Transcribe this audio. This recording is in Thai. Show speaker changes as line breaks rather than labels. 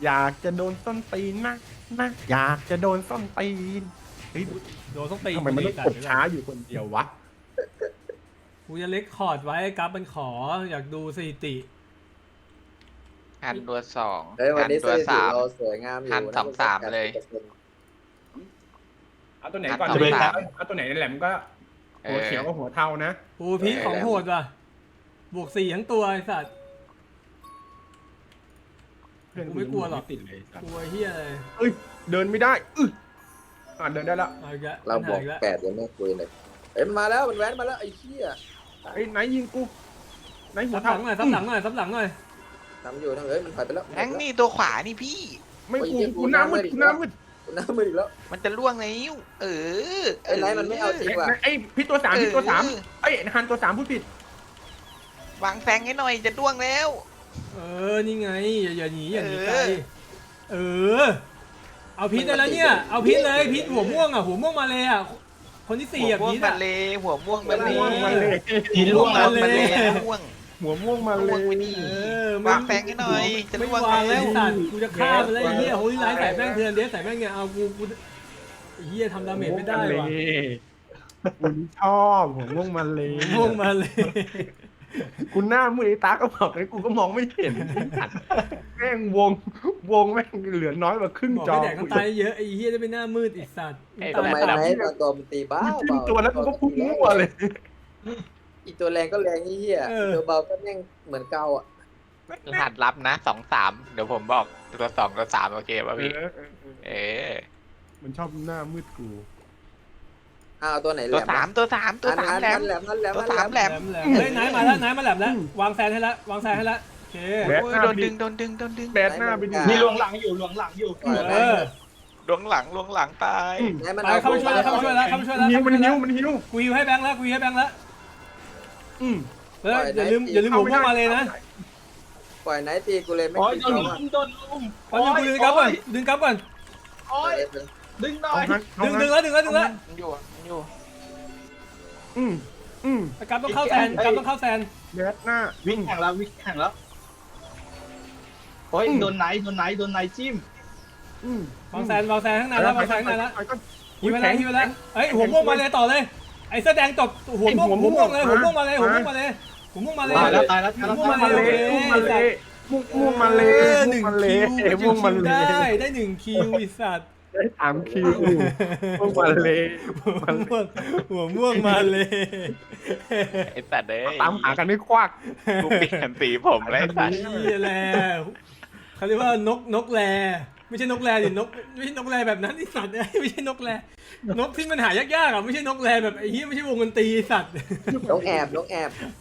อยากจะโดนส้นตีนนะอยากจะโดนส้นตีนเฮ้ย
โดนต้องตี
ทำไมมันต้องกดช้าอยู่คนเดียววะ
กูจะเล็กคอร์ดไว้กับมันขออยากดูสถิติ
หันตัวสอง
เฮ้ยวัน
หัน
นี้
ตัวสาม
เราสวยงามอยู่
หันสองสามเลย
เอาตัวไหนก่อน
จะเป็น
เอาตัวไหนแหลมก็หัวเขียวกับหัวเทานะ
ปูพีคของโหดว่ะบวก4ทั้งตัวไอ้สัตว์
เพื่อน
กูไม่กลัวหรอก
ติดเลยสัต
ก
ว์
ลัวเฮียเลย
เอ้ยเดินไม่ได้เดินได้แล้ว
เอาอีกแล้ว
เราบอก
ปัญหอีกแล้ว
8ยังไม่คุยเลยเอ้ยมันมาแล้วมันแว้นมาแล้วไอ้เหี้ย
ไอ้ไหนยิงกูไหนหัว
ซับห
เทา
ลังหน่อยซับหลังหน่อยซับหลังหน่อย
ทำอยู่ทำเอ้ยมันถอยไปแล้ว
แบงค์นี่ตัวขวานี่พี่
ไม่กูหน้ามืดกูหน้ามืด
น้ำมืออีกแล้ว
มันจะล่วงแล้วเออ
ไอ้ไนท์มันไม่เอาจริงว่ะ
ไอ้พี่ตัวสามพี่ตัวสามไอ้ฮันตัวสามพูดผิด
วางแฟงให้หน่อยจะล่วงแล้ว
เออนี่ไงอย่าหนีอย่าหนีไกล
เออ
เออเอาพีทได้แล้วเนี่ยเอาพีทเลยพีทหัวม่วงอ่ะหัวม่วงมาเลยอ่ะคนที่
หั
4
ว
อ่ะ
ม่วง
พีท
มา
อ่ะ
เลยหัวม่วงมาเลย
ม่วงมาเลย
พีทล่วงมาเลย
ม่วง
หัวม่วงมาเล
ล่วง
ย
ไปดิ
เออ
วางแฟงให้หน่อยจะ
ไม่
ล่วง
วางแล้ว
แล้ว
สัตว์กูจะฆ่ามันแล้วไอ้เหี้ยโฮลี่ไลท์ใส่แม่งเถื่อนเดสใส่แม่งเนี่ยเอากูไอ้เหี้ยทำดาเมจไม่ได้ว่ะ
คุณชอบหัวม่วงมาเลย
ม่วงมาเลย
คุณหน้ามืดไอ้ตาก็บอกเลยกูก็มองไม่เห็นแม่งวงแม่งเหลือน้อยกว่าครึ่ง
บอก
จอ
ให้แดกน้ำตาลเยอะไอ้เหี้ยจะเป็นหน้ามืดอีสัตว์
ทำไมไนท์ตอนตัวมันตีบ้า
กูจิ้มตัวแล้วกูก็พุ่งมั่วเลย
อีตัวแรงก็แรงเหี้ยตัวเบาก็แม่งเหมือนเก่าอ่ะ
รหัสลับนะ2-3เดี๋ยวผมบอกตัว2ตัว3โอเคป่ะพี่เออ
มันชอบหน้ามืดกู
อ้าวตัวไหนแหล
ตัว
ม
3ตัว3ตัว3แหลม
แหลมนั่นแหลม
ตัว3แหลม
แหลมเฮ้ยนายมาแล้วนายมาแหลมแล้ววางแซนให้แล้ววางแซนให้แล้วโอเค
แบด
โอ้
ห
ย
น้า
โด
ไป
น
ดิ
ดึง
แบดหน้าไปดิ
มีลวงหลังอยู่ลวงหลังอยู่
เออ
ลวงหลังตาย
ไปเข้ามาช่วยแล้วเข้ามาช่วยแล้วเข้ามาช่วยแล้ว
มันหิว
กูฮิวให้แบงค์แล้วกูฮิวให้แบงค์แล้ว
อืม
เฮ้ยอย่าลืมหัวม่วงมาเลยนะ
ปล่อยไนท์ตีกูเลยไม่
โอ้ย
ตี
โดน
เขา
ลุมโดนลุม
ตอนนี้กูดึงกลับก่อนดึงกลับก่อน
โอ้ยดึงหน่อย
ดึงแล้วดึงแล้ว
มันอยู่
กลับต้องเข้าแซนกลับต้องเข้าแซน
แบดหน้า
วิ่งแข่งแล้วโอ้ยโดนไหนจิ้ม
วางแซนข้างในแล้ววางแซนข้างในแล้วฮิวไปแล้วฮิวไปแล้วเฮ้ยหัวม่วงมาเลยต่อเลยไอ้เสื้อแดงจบหัวม่วงเลยหัวม่วงมาเลยหัวม่วงมาเลยหัวม่วงมาเลย
ตายแล้ว
ม่วงมาเลยม่วงมาเลย
หนึ่ง
ม่วงมาเลย
ได้1 คิวไอ้สัตว์
ได้3 คิวม่วงมาเลย
หัวม่วงมาเลย
ไอ้สัตว์เอ้ย
ตามหากันไม่ควัก
กูเปลี่ยนสีผมแล้วไอ้สัตว์
นี่แหละเขาเรียกว่านกแรไม่ใช่นกแรดินกไม่ใช่นกแรแบบนั้นไอ้สัตว์ไม่ใช่นกแรนกที่มันหายากๆอ่ะไม่ใช่นกแรแบบไอ้เหี้ยไม่ใช่วงดนตรีสัตว์
นกแอบ